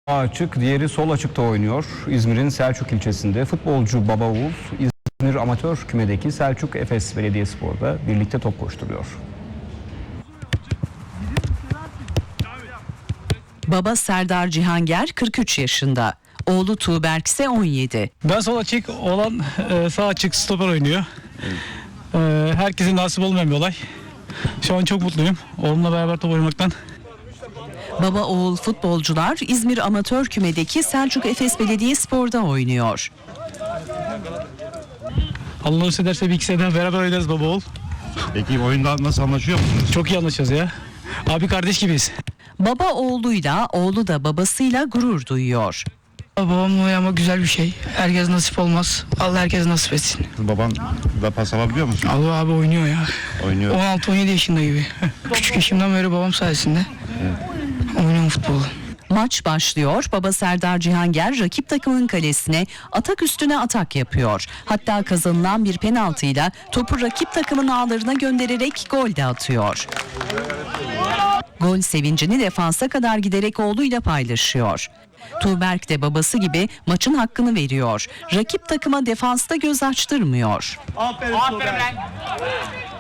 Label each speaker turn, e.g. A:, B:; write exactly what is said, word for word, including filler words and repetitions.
A: Sağ açık, diğeri sol açıkta oynuyor. İzmir'in Selçuk ilçesinde futbolcu Baba Oğul, İzmir amatör kümedeki Selçuk Efes Belediyespor'da birlikte top koşturuyor.
B: Baba Serdar Cihanger kırk üç yaşında. Oğlu Tuğberk ise on yedi.
C: Ben sol açık, olan e, sağ açık stoper oynuyor. E, herkesin nasip olmayan bir olay. Şu an çok mutluyum. Oğlumla beraber top oynamaktan.
B: Baba oğul futbolcular İzmir amatör kümedeki Selçuk Efes Belediyespor'da oynuyor.
C: Allah nasip ederse bir iki seneden beraber oynarız baba oğul.
D: Peki oyunda nasıl anlaşıyor musunuz?
C: Çok iyi anlaşacağız ya. Abi kardeş gibiyiz.
B: Baba oğluyla, oğlu da babasıyla gurur duyuyor.
E: Babamla oynamak güzel bir şey. Herkes nasip olmaz. Allah herkes nasip etsin.
D: Baban da pas alabiliyor musun?
E: Allah abi oynuyor ya.
D: Oynuyor.
E: on altı on yedi yaşında gibi. Küçük yaşımdan beri babam sayesinde oynuyorum futbolu.
B: Maç başlıyor. Baba Serdar Cihanger rakip takımın kalesine atak üstüne atak yapıyor. Hatta kazanılan bir penaltıyla topu rakip takımın ağlarına göndererek gol de atıyor. Gol sevincini defansa kadar giderek oğluyla paylaşıyor. Tuğberk de babası gibi maçın hakkını veriyor. Rakip takıma defansta göz açtırmıyor.
F: Aferin, Aferin lan.